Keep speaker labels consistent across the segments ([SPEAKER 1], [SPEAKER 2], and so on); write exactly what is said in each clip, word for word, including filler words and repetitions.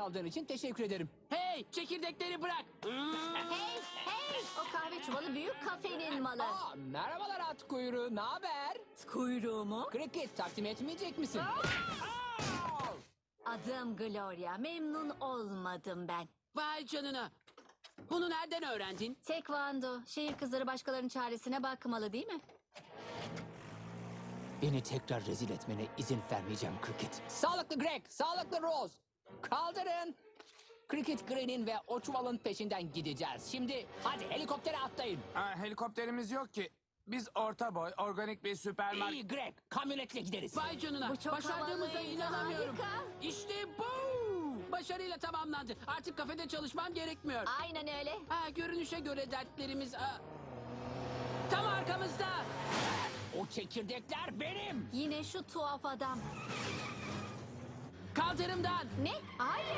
[SPEAKER 1] aldığın için teşekkür ederim.
[SPEAKER 2] Hey, çekirdekleri bırak.
[SPEAKER 3] Hey hey o kahve çuvalı büyük kafenin malı.
[SPEAKER 1] Aa, merhabalar at kuyruğu, ne haber?
[SPEAKER 3] Kuyruğu mu?
[SPEAKER 1] Cricket takdim etmeyecek misin? Aa!
[SPEAKER 3] Adım Gloria. Memnun olmadım ben.
[SPEAKER 2] Vay canına. Bunu nereden öğrendin?
[SPEAKER 3] Tekvando. Şehir kızları başkalarının çaresine bakmalı değil mi?
[SPEAKER 1] Beni tekrar rezil etmene izin vermeyeceğim Cricket. Sağlıklı Greg, sağlıklı Rose. Kaldırın. Cricket Green'in ve o çuvalın peşinden gideceğiz. Şimdi hadi helikoptere atlayın.
[SPEAKER 4] Aa, helikopterimiz yok ki. Biz orta boy, organik bir süpermarket...
[SPEAKER 1] İyi Greg, kamyonetle gideriz.
[SPEAKER 2] Vay canına.
[SPEAKER 3] Bu çok
[SPEAKER 2] Başardığımıza
[SPEAKER 3] havalıydı,
[SPEAKER 2] inanamıyorum.
[SPEAKER 3] harika.
[SPEAKER 2] İşte bu. Başarıyla tamamlandı. Artık kafede çalışmam gerekmiyor.
[SPEAKER 3] Aynen öyle.
[SPEAKER 2] Ha, görünüşe göre dertlerimiz... Aa, tam arkamızda.
[SPEAKER 1] O çekirdekler benim.
[SPEAKER 3] Yine şu tuhaf adam.
[SPEAKER 2] Kaldırımdan.
[SPEAKER 3] Ne? Hayır.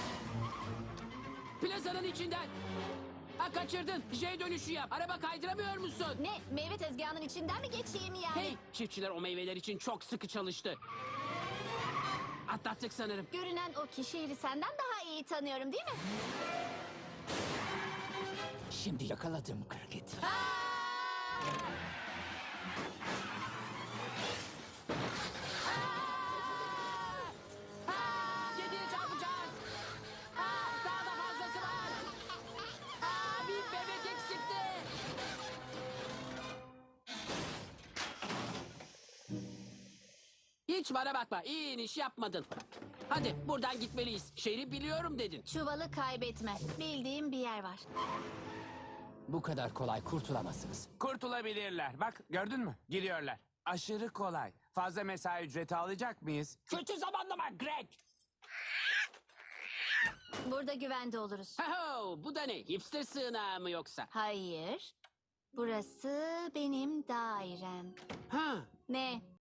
[SPEAKER 2] Plazanın içinden. Ha, kaçırdın. J dönüşü yap. Araba kaydıramıyor musun?
[SPEAKER 3] Ne? Meyve tezgahının içinden mi geçeyim yani?
[SPEAKER 2] Hey, çiftçiler o meyveler için çok sıkı çalıştı. Atlattık sanırım.
[SPEAKER 3] Görünen o ki şehri senden daha iyi tanıyorum değil mi?
[SPEAKER 1] Şimdi yakaladım Cricket.
[SPEAKER 2] Yediye çarpacağız. Aa, daha da fazlası var. Aa, bir bebek eksikti. Hiç bana bakma. İyi iniş yapmadın. Hadi buradan gitmeliyiz. Şehri biliyorum dedin.
[SPEAKER 3] Çuvalı kaybetme. Bildiğim bir yer var.
[SPEAKER 1] Bu kadar kolay kurtulamazsınız.
[SPEAKER 4] Kurtulabilirler. Bak gördün mü? Gidiyorlar. Aşırı kolay. Fazla mesai ücreti alacak mıyız?
[SPEAKER 1] Kötü zamanlama Greg.
[SPEAKER 3] Burada güvende oluruz.
[SPEAKER 2] Ho, bu da ne? Hipster sığınağı mı yoksa?
[SPEAKER 3] Hayır. Burası benim dairem.
[SPEAKER 2] Ha,
[SPEAKER 3] Ne?